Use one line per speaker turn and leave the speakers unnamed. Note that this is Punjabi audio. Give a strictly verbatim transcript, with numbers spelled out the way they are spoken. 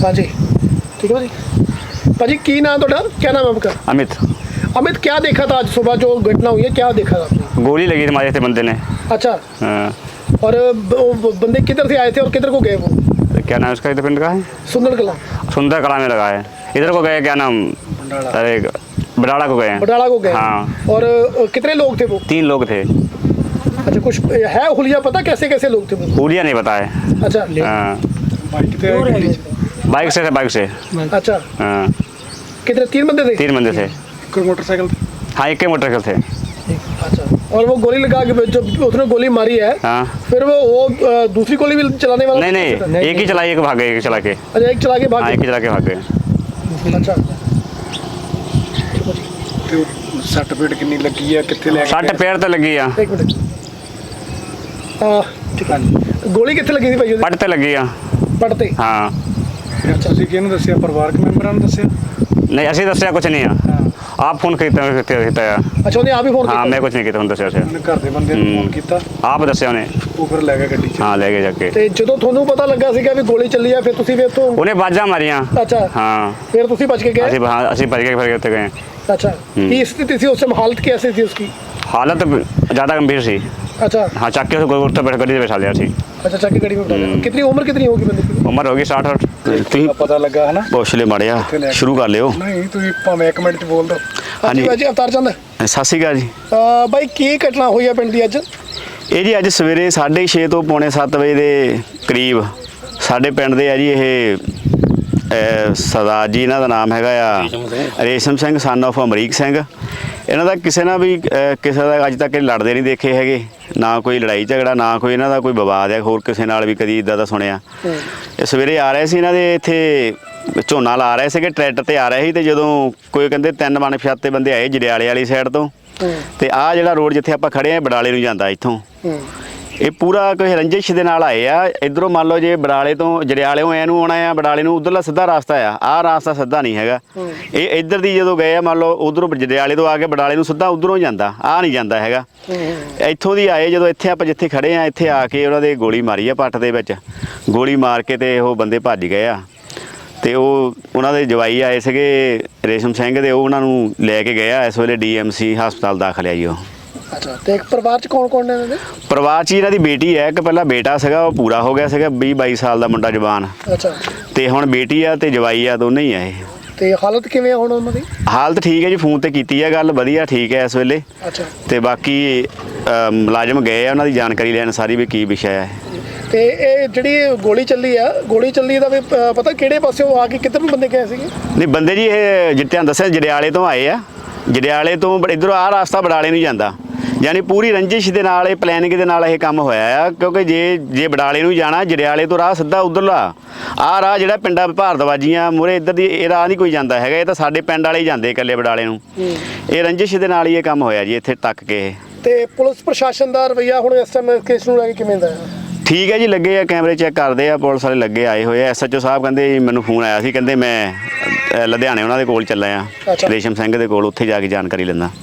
हाँ जी, ठीक है भाजी। भाजी की नाम थोड़ा, क्या नाम है आपका?
अमित।
अमित, क्या देखा था आज सुबह जो घटना हुई है, क्या देखा था आपने?
गोली लगी थी हमारे थे बंदे ने।
अच्छा।
हाँ।
और ब- वो बंदे किधर से आए थे और किधर को गए वो?
तो क्या नाम उसका, इधर पिंड का है?
सुंदर कला।
सुंदर कला में लगा है। इधर को गए, क्या नाम, अरे बडाड़ा को गए हैं।
बटाला को गए।
हाँ।
और अ, कितने लोग थे वो?
तीन लोग थे।
अच्छा, कुछ है हुलिया पता कैसे कैसे लोग थे वो?
पूलिया नहीं बताए।
अच्छा।
हाँ। बाइक से थे, बाइक से।
अच्छा,
हाँ।
कितने, तीन बंदे थे?
तीन बंदे थे।
कोई मोटरसाइकिल?
हाँ, एक ही मोटरसाइकिल थे।
अच्छा। और वो गोली लगा के जब उसने गोली मारी है,
हाँ।
फिर वो वो अ, दूसरी गोली भी चलाने वाला?
नहीं नहीं, एक ही चलाई, एक भाग गए, एक चला के।
अच्छा, एक चला के भाग
हाँ,
गए।
एक ही चला के भाग गए।
अच्छा।
ਤੇ ਸੱਟ ਪੇਟ ਕਿੰਨੀ ਲੱਗੀ ਆ, ਕਿੱਥੇ ਲੈ ਕੇ
सट पैर तो लगी आ,
एक मिनट। हाँ, ठीक है। गोली कितने लगी थी भाई?
पट ते लगी आ।
पड़ते?
हाँ।
ਫਿਰ ਤੁਸੀਂ ਕਿਹਨੂੰ ਦੱਸਿਆ, ਪਰਿਵਾਰਕ ਮੈਂਬਰਾਂ ਨੂੰ ਦੱਸਿਆ?
नहीं, असि दसिया कुछ नहीं आ। आप फोन खरीदते खरीदता आ।
अच्छा, उन्हें आप ही फोन
हाँ,
किया?
मैं कुछ नहीं किया, दसिया उसे।
ਉਹਨੇ ਘਰ ਦੇ ਬੰਦੇ ਨੂੰ ਫੋਨ ਕੀਤਾ,
आप दसिया उन्हें।
ਉਹ ਫਿਰ ਲੈ ਗਿਆ ਗੱਡੀ 'ਚ।
हाँ, ले गए जाके।
ਤੇ ਜਦੋਂ ਤੁਹਾਨੂੰ ਪਤਾ ਲੱਗਾ ਸੀਗਾ ਵੀ ਗੋਲੀ ਚੱਲੀ ਆ, ਫਿਰ ਤੁਸੀਂ ਵੀ ਉੱਥੋਂ?
उन्हें बाजा मारिया।
अच्छा।
हाँ।
फिर ਤੁਸੀਂ बच के गए?
असि हाँ, असि भज के फिर गए।
अच्छा। की स्थिति थी उस समय, हालत कैसी थी उसकी?
हालत ज़्यादा गंभीर सी।
अच्छा।
हाँ, चाके से गोल बैठ गड्डी बैठा लिया थी।
अच्छा, चाकी गाड़ी में बैठा लिया। कितनी उम्र कितनी होगी बंदे की?
उम्र होगी साठ और।
ਤੁਸੀਂ
ਪਤਾ ਲੱਗਾ ਹੈ ਨਾ?
ਹੌਸਲੇ ਮਾੜਿਆ ਸ਼ੁਰੂ ਕਰ ਲਿਓ।
ਨਹੀਂ ਤੁਸੀਂ ਭਾਵੇਂ ਇੱਕ ਮਿੰਟ 'ਚ ਬੋਲ ਦਿਓ।
हाँ जी भाजी, अवतार चंद।
ਸਤਿ ਸ਼੍ਰੀ ਅਕਾਲ ਜੀ।
ਅਹ ਬਾਈ ਕੀ ਘਟਨਾ ਹੋਈ ਆ ਪਿੰਡ ਦੀ ਅੱਜ?
ਇਹ ਜੀ ਅੱਜ ਸਵੇਰੇ ਸਾਢੇ ਛੇ ਤੋਂ ਪੌਣੇ ਸੱਤ ਵਜੇ ਦੇ ਕਰੀਬ ਸਾਡੇ ਪਿੰਡ ਦੇ ਆ ਜੀ ਇਹ ਅਹ ਸਰਦਾਰ ਜੀ, ਇਹਨਾਂ ਦਾ ਨਾਮ ਹੈਗਾ ਆ ਰੇਸ਼ਮ ਸਿੰਘ ਸਨ ਆਫ ਅਮਰੀਕ ਸਿੰਘ। ਇਹਨਾਂ ਦਾ ਕਿਸੇ ਨਾਲ ਵੀ ਅਹ ਕਿਸੇ ਦਾ ਅੱਜ ਤੱਕ ਇਹ ਲੜਦੇ ਨਹੀਂ ਦੇਖੇ ਹੈਗੇ, ਨਾ ਕੋਈ ਲੜਾਈ ਝਗੜਾ, ਨਾ ਕੋਈ ਇਹਨਾਂ ਦਾ ਕੋਈ ਵਿਵਾਦ ਹੈ ਹੋਰ ਕਿਸੇ ਨਾਲ ਵੀ ਕਦੀ ਇਦਾਂ ਦਾ ਸੁਣਿਆ। ਇਹ ਸਵੇਰੇ ਆ ਰਹੇ ਸੀ, ਇਹਨਾਂ ਦੇ ਇੱਥੇ ਝੋਨਾ ਲਾ ਰਹੇ ਸੀਗੇ, ਟਰੈਕਟਰ ਤੇ ਆ ਰਹੇ ਸੀ, ਤੇ ਜਦੋਂ ਕੋਈ ਕਹਿੰਦੇ ਤਿੰਨ ਮਨਪਛਾਤੇ ਬੰਦੇ ਆਏ ਜੜਿਆਲੇ ਵਾਲੀ ਸਾਈਡ ਤੋਂ, ਤੇ ਆਹ ਜਿਹੜਾ ਰੋਡ ਜਿੱਥੇ ਆਪਾਂ ਖੜੇ ਆ ਬਡਾਲੇ ਨੂੰ ਜਾਂਦਾ ਇੱਥੋਂ, ਇਹ ਪੂਰਾ ਕੋਈ ਰੰਜਿਸ਼ ਦੇ ਨਾਲ ਆਏ ਆ। ਇਧਰੋਂ ਮੰਨ ਲਓ ਜੇ ਬਡਾਲੇ ਤੋਂ ਜੜਿਆਲਿਓਂ ਐ ਨੂੰ ਆਉਣਾ ਆ, ਬਡਾਲੇ ਨੂੰ ਉਧਰਲਾ ਸਿੱਧਾ ਰਸਤਾ ਆ, ਆਹ ਰਸਤਾ ਸਿੱਧਾ ਨਹੀਂ ਹੈਗਾ। ਇਹ ਇੱਧਰ ਦੀ ਜਦੋਂ ਗਏ ਆ, ਮੰਨ ਲਓ ਉਧਰੋਂ ਜੜਿਆਲੇ ਤੋਂ ਆ ਕੇ ਬਡਾਲੇ ਨੂੰ ਸਿੱਧਾ ਉਧਰੋਂ ਜਾਂਦਾ, ਆਹ ਨਹੀਂ ਜਾਂਦਾ ਹੈਗਾ। ਇੱਥੋਂ ਦੀ ਆਏ, ਜਦੋਂ ਇੱਥੇ ਆਪਾਂ ਜਿੱਥੇ ਖੜੇ ਆ ਇੱਥੇ ਆ ਕੇ ਉਹਨਾਂ ਦੇ ਗੋਲੀ ਮਾਰੀ ਆ ਪੱਟ ਦੇ ਵਿੱਚ, ਗੋਲੀ ਮਾਰ ਕੇ ਤੇ ਉਹ ਬੰਦੇ ਭੱਜ ਗਏ ਆ। ਤੇ ਉਹ ਉਹਨਾਂ ਦੇ ਜਵਾਈ ਆਏ ਸੀਗੇ ਰੇਸ਼ਮ ਸਿੰਘ ਦੇ, ਉਹ ਉਹਨਾਂ ਨੂੰ ਲੈ ਕੇ ਗਏ ਆ। ਇਸ ਵੇਲੇ ਡੀ ਐਮ ਸੀ ਹਸਪਤਾਲ ਦਾਖਲ ਆ ਜੀ ਉਹ।
ਅੱਛਾ, ਤੇ ਇੱਕ ਪਰਿਵਾਰ ਚ ਕੌਣ ਕੌਣ ਨੇ ਇਹਨਾਂ ਦੇ?
ਪਰਿਵਾਰ 'ਚ ਇਹਨਾਂ ਦੀ ਬੇਟੀ ਹੈ, ਇੱਕ ਪਹਿਲਾਂ ਬੇਟਾ ਸੀਗਾ, ਉਹ ਪੂਰਾ ਹੋ ਗਿਆ ਸੀਗਾ, ਵੀਹ ਬਾਈ ਸਾਲ ਦਾ ਮੁੰਡਾ ਜਵਾਨ,
ਅੱਛਾ।
ਤੇ ਹੁਣ ਬੇਟੀ ਆ ਤੇ ਜਵਾਈ ਆ, ਦੋਨੇ ਹੀ ਆ ਇਹ।
ਤੇ ਹਾਲਤ ਕਿਵੇਂ ਆ ਹੁਣ ਉਹਨਾਂ ਦੀ?
ਹਾਲਤ ਠੀਕ ਹੈ ਜੀ, ਫੋਨ ਤੇ ਕੀਤੀ ਹੈ ਗੱਲ, ਵਧੀਆ ਠੀਕ ਹੈ ਇਸ ਵੇਲੇ।
ਅੱਛਾ।
ਤੇ ਬਾਕੀ ਅ, ਮੁਲਾਜ਼ਮ ਗਏ ਆ ਉਹਨਾਂ ਦੀ ਜਾਣਕਾਰੀ ਲੈਣ ਸਾਰੀ ਵੀ ਕੀ ਵਿਸ਼ਾ ਹੈ।
ਤੇ ਇਹ ਜਿਹੜੀ ਗੋਲੀ ਚੱਲੀ ਆ, ਗੋਲੀ ਚੱਲੀ ਦਾ ਵੀ ਪ- ਪਤਾ ਕਿਹੜੇ ਪਾਸਿਓਂ ਆ ਕੇ ਕਿੱਧਰ ਨੂੰ ਬੰਦੇ ਗਏ ਸੀਗੇ?
ਨਹੀਂ ਬੰਦੇ ਜੀ ਇਹ ਜਿੱਤਿਆਂ ਦੱਸਿਆ ਜੜਿਆਲੇ ਤੋਂ ਆਏ ਆ, ਜੜਿਆਲੇ ਤੋਂ ਇੱਧਰੋਂ ਆਹ ਰਸਤਾ ਬਡਾਲੇ ਨੂੰ ਜਾਂਦਾ, ਯਾਨੀ ਪੂਰੀ ਰੰਜਿਸ਼ ਦੇ ਨਾਲ ਇਹ ਪਲੈਨਿੰਗ ਦੇ ਨਾਲ ਇਹ ਕੰਮ ਹੋਇਆ ਆ। ਕਿਉਂਕਿ ਜੇ ਜੇ ਬਡਾਲੇ ਨੂੰ ਜਾਣਾ, ਜੜਿਆਲੇ ਤੋਂ ਰਾਹ ਸਿੱਧਾ ਉਧਰਲਾ ਆਹ ਰਾਹ ਜਿਹੜਾ ਪਿੰਡਾਂ ਭਾਰਤਵਾਜੀਆਂ ਮੂਹਰੇ ਇੱਧਰ ਦੀ ਇਹ ਰਾਹ ਨਹੀਂ ਕੋਈ ਜਾਂਦਾ ਹੈਗਾ, ਇਹ ਤਾਂ ਸਾਡੇ ਪਿੰਡ ਵਾਲੇ ਹੀ ਜਾਂਦੇ ਇਕੱਲੇ ਬਡਾਲੇ ਨੂੰ। ਇਹ ਰੰਜਿਸ਼ ਦੇ ਨਾਲ ਹੀ ਇਹ ਕੰਮ ਹੋਇਆ ਜੀ ਇੱਥੇ ਤੱਕ ਕੇ ਇਹ।
ਤੇ ਪੁਲਿਸ ਪ੍ਰਸ਼ਾਸਨ ਦਾ ਰਵੱਈਆ ਹੁਣ ਇਸ ਟਾਈਮ ਕੇਸ ਨੂੰ ਲੈ ਕੇ ਕਿਵੇਂ ਦਾ ਹੈ?
ਠੀਕ ਹੈ ਜੀ, ਲੱਗੇ ਆ ਕੈਮਰੇ ਚੈੱਕ ਕਰਦੇ ਆ, ਪੁਲਿਸ ਵਾਲੇ ਲੱਗੇ ਆਏ ਹੋਏ ਆ। ਐਸ ਐਚ ਓ ਸਾਹਿਬ ਕਹਿੰਦੇ ਜੀ ਮੈਨੂੰ ਫੋਨ ਆਇਆ ਸੀ, ਕਹਿੰਦੇ ਮੈਂ ਅ, ਲੁਧਿਆਣੇ ਉਹਨਾਂ ਦੇ ਕੋਲ ਚੱਲਾ ਆ,
ਅੱਛਾ।
ਰੇਸ਼ਮ ਸਿੰਘ ਦੇ ਕੋਲ, ਉੱਥੇ ਜਾ ਕੇ ਜਾਣਕਾਰੀ ਲੈਂਦਾ।